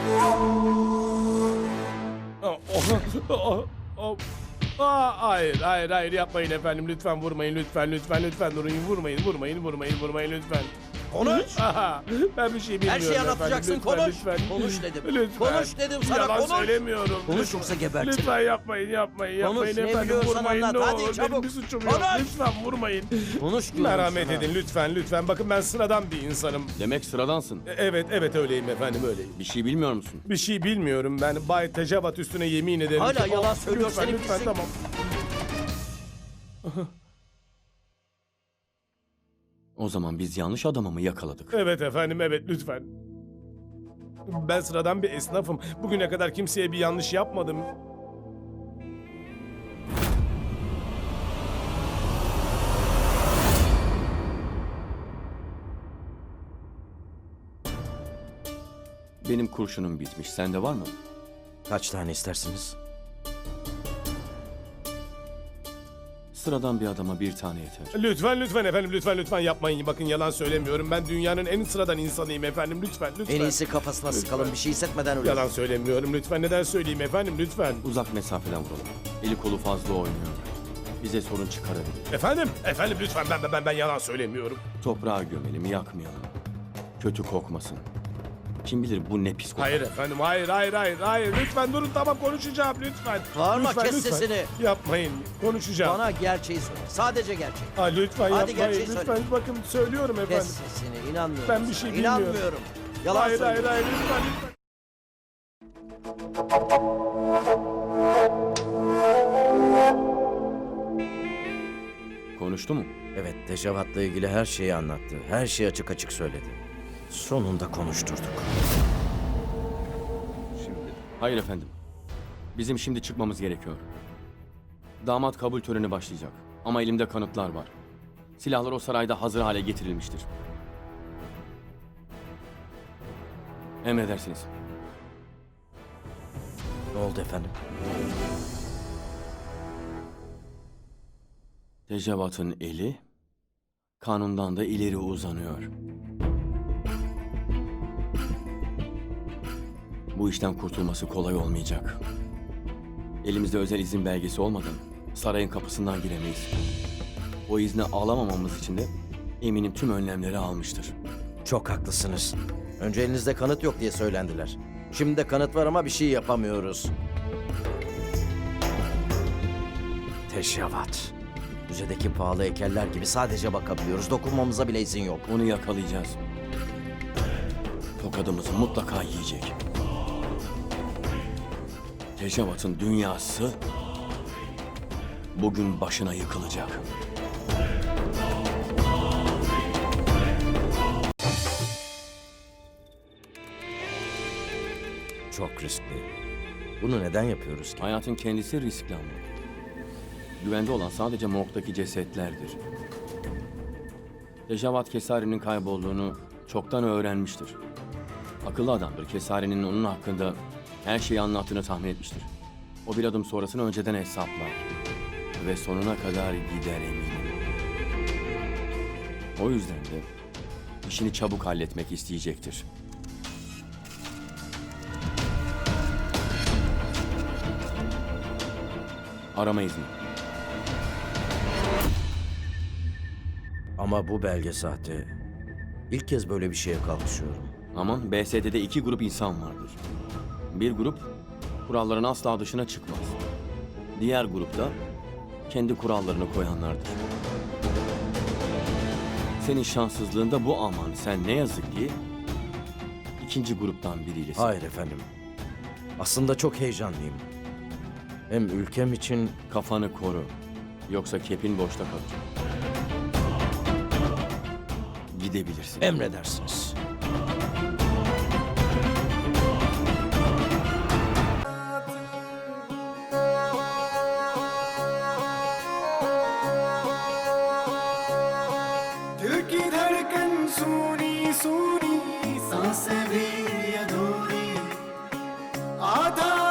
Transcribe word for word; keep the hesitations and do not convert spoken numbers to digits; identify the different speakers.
Speaker 1: Oh, oh, oh, oh. Aa, hayır, hayır, hayır yapmayın efendim. Lütfen vurmayın, lütfen, lütfen, lütfen durun. Vurmayın, vurmayın, vurmayın, vurmayın lütfen.
Speaker 2: Konuş.
Speaker 1: Aha, ben bir şey bilmiyorum
Speaker 2: Her şeyi
Speaker 1: efendim.
Speaker 2: anlatacaksın,
Speaker 1: Lütfen,
Speaker 2: konuş.
Speaker 1: lütfen.
Speaker 2: Konuş dedim.
Speaker 1: Lütfen.
Speaker 2: Konuş dedim sana,
Speaker 1: Yalan
Speaker 2: konuş.
Speaker 1: söylemiyorum.
Speaker 2: Konuş
Speaker 1: Lütfen.
Speaker 2: yoksa gebertirim.
Speaker 1: Lütfen yapmayın, yapmayın,
Speaker 2: Konuş,
Speaker 1: yapmayın
Speaker 2: ne
Speaker 1: efendim.
Speaker 2: biliyorsan
Speaker 1: Vurmayın
Speaker 2: anlat.
Speaker 1: ne
Speaker 2: Hadi
Speaker 1: olur.
Speaker 2: çabuk.
Speaker 1: Benim bir suçum yok.
Speaker 2: Konuş.
Speaker 1: Lütfen vurmayın.
Speaker 2: Konuş diyorum
Speaker 1: Merhamet
Speaker 2: sana.
Speaker 1: edin lütfen, lütfen. Bakın ben sıradan bir insanım.
Speaker 3: Demek sıradansın.
Speaker 1: E- Evet, evet öyleyim efendim, öyleyim.
Speaker 3: Bir şey bilmiyor musun?
Speaker 1: Bir şey bilmiyorum ben. Bay Tecavat üstüne yemin ederim
Speaker 2: Hala
Speaker 1: ki-
Speaker 2: yalan
Speaker 1: Oh,
Speaker 2: söylüyor,
Speaker 1: lütfen,
Speaker 2: seni
Speaker 1: lütfen,
Speaker 2: pislik.
Speaker 1: tamam.
Speaker 3: O zaman biz yanlış adamı mı yakaladık?
Speaker 1: Evet efendim, evet lütfen. Ben sıradan bir esnafım. Bugüne kadar kimseye bir yanlış yapmadım.
Speaker 3: Benim kurşunum bitmiş. Sende var mı?
Speaker 2: Kaç tane istersiniz?
Speaker 3: Sıradan bir adama bir tane yeter.
Speaker 1: Lütfen, lütfen efendim, lütfen, lütfen yapmayın. Bakın yalan söylemiyorum. Ben dünyanın en sıradan insanıyım efendim. Lütfen, lütfen.
Speaker 2: En iyisi kafasına sıkalım, bir şey hissetmeden öyle.
Speaker 1: Yalan söylemiyorum. Lütfen neden söyleyeyim efendim, lütfen.
Speaker 3: Uzak mesafeden vuralım. Eli kolu fazla oynuyor. Bize sorun çıkarabilir.
Speaker 1: Efendim, efendim lütfen ben ben ben, ben yalan söylemiyorum.
Speaker 3: Toprağa gömelim, yakmayalım. Kötü kokmasın. Kim bilir bu ne pis kokar.
Speaker 1: Hayır efendim, hayır, hayır, hayır, hayır. Lütfen durun, tamam konuşacağım lütfen.
Speaker 2: Bağırma,
Speaker 1: lütfen,
Speaker 2: kes
Speaker 1: lütfen.
Speaker 2: sesini.
Speaker 1: Yapmayın, konuşacağım.
Speaker 2: Bana gerçeği söyle. Sadece gerçeği.
Speaker 1: Ha, lütfen
Speaker 2: Hadi
Speaker 1: yapmayın,
Speaker 2: gerçeği
Speaker 1: lütfen.
Speaker 2: söyle.
Speaker 1: Bakın söylüyorum efendim.
Speaker 2: Kes sesini, inanmıyorum.
Speaker 1: Ben bir
Speaker 2: sana.
Speaker 1: şey bilmiyorum.
Speaker 2: İnanmıyorum. Yalan
Speaker 1: hayır,
Speaker 2: söylüyorsun.
Speaker 1: hayır, hayır, lütfen, lütfen.
Speaker 3: Konuştu mu?
Speaker 2: Evet, Tecavat'la ilgili her şeyi anlattı. Her şeyi açık açık söyledi. Sonunda konuşturduk.
Speaker 3: Hayır efendim. Bizim şimdi çıkmamız gerekiyor. Damat kabul töreni başlayacak. Ama elimde kanıtlar var. Silahlar o sarayda hazır hale getirilmiştir. Emredersiniz.
Speaker 2: Ne oldu efendim?
Speaker 3: Tecavat'ın eli kanundan da ileri uzanıyor. Bu işten kurtulması kolay olmayacak. Elimizde özel izin belgesi olmadan sarayın kapısından giremeyiz. O izni alamamamız için de eminim tüm önlemleri almıştır.
Speaker 2: Çok haklısınız. Önce elinizde kanıt yok diye söylendiler. Şimdi de kanıt var ama bir şey yapamıyoruz. Teşavat. Müzedeki pahalı heykeller gibi sadece bakabiliyoruz. Dokunmamıza bile izin yok.
Speaker 3: Onu yakalayacağız. Tokadımızı mutlaka yiyecek. Tecavat'ın dünyası bugün başına yıkılacak.
Speaker 2: Çok riskli. Bunu neden yapıyoruz ki?
Speaker 3: Hayatın kendisi riskli ama. Güvende olan sadece morgdaki cesetlerdir. Tecavat Kesari'nin kaybolduğunu çoktan öğrenmiştir. Akıllı adamdır. Kesari'nin onun hakkında her şeyi anlattığını tahmin etmiştir. O bir adım sonrasını önceden hesaplar. Ve sonuna kadar gider eminim. O yüzden de işini çabuk halletmek isteyecektir. Arama izni.
Speaker 2: Ama bu belge sahte. İlk kez böyle bir şeye kalkışıyorum.
Speaker 3: Ama B S D'de iki grup insan vardır. Bir grup kuralların asla dışına çıkmaz. Diğer grupta kendi kurallarını koyanlardır. Senin şanssızlığın da bu aman. Sen ne yazık ki ikinci gruptan biriylesin.
Speaker 2: Hayır efendim. Aslında çok heyecanlıyım. Hem ülkem için
Speaker 3: Kafanı koru. Yoksa kepin boşta kalır. Gidebilirsin.
Speaker 2: emredersiniz.
Speaker 4: दिल की धड़कन सुनी सुनी सांसें भी अधूरी आधा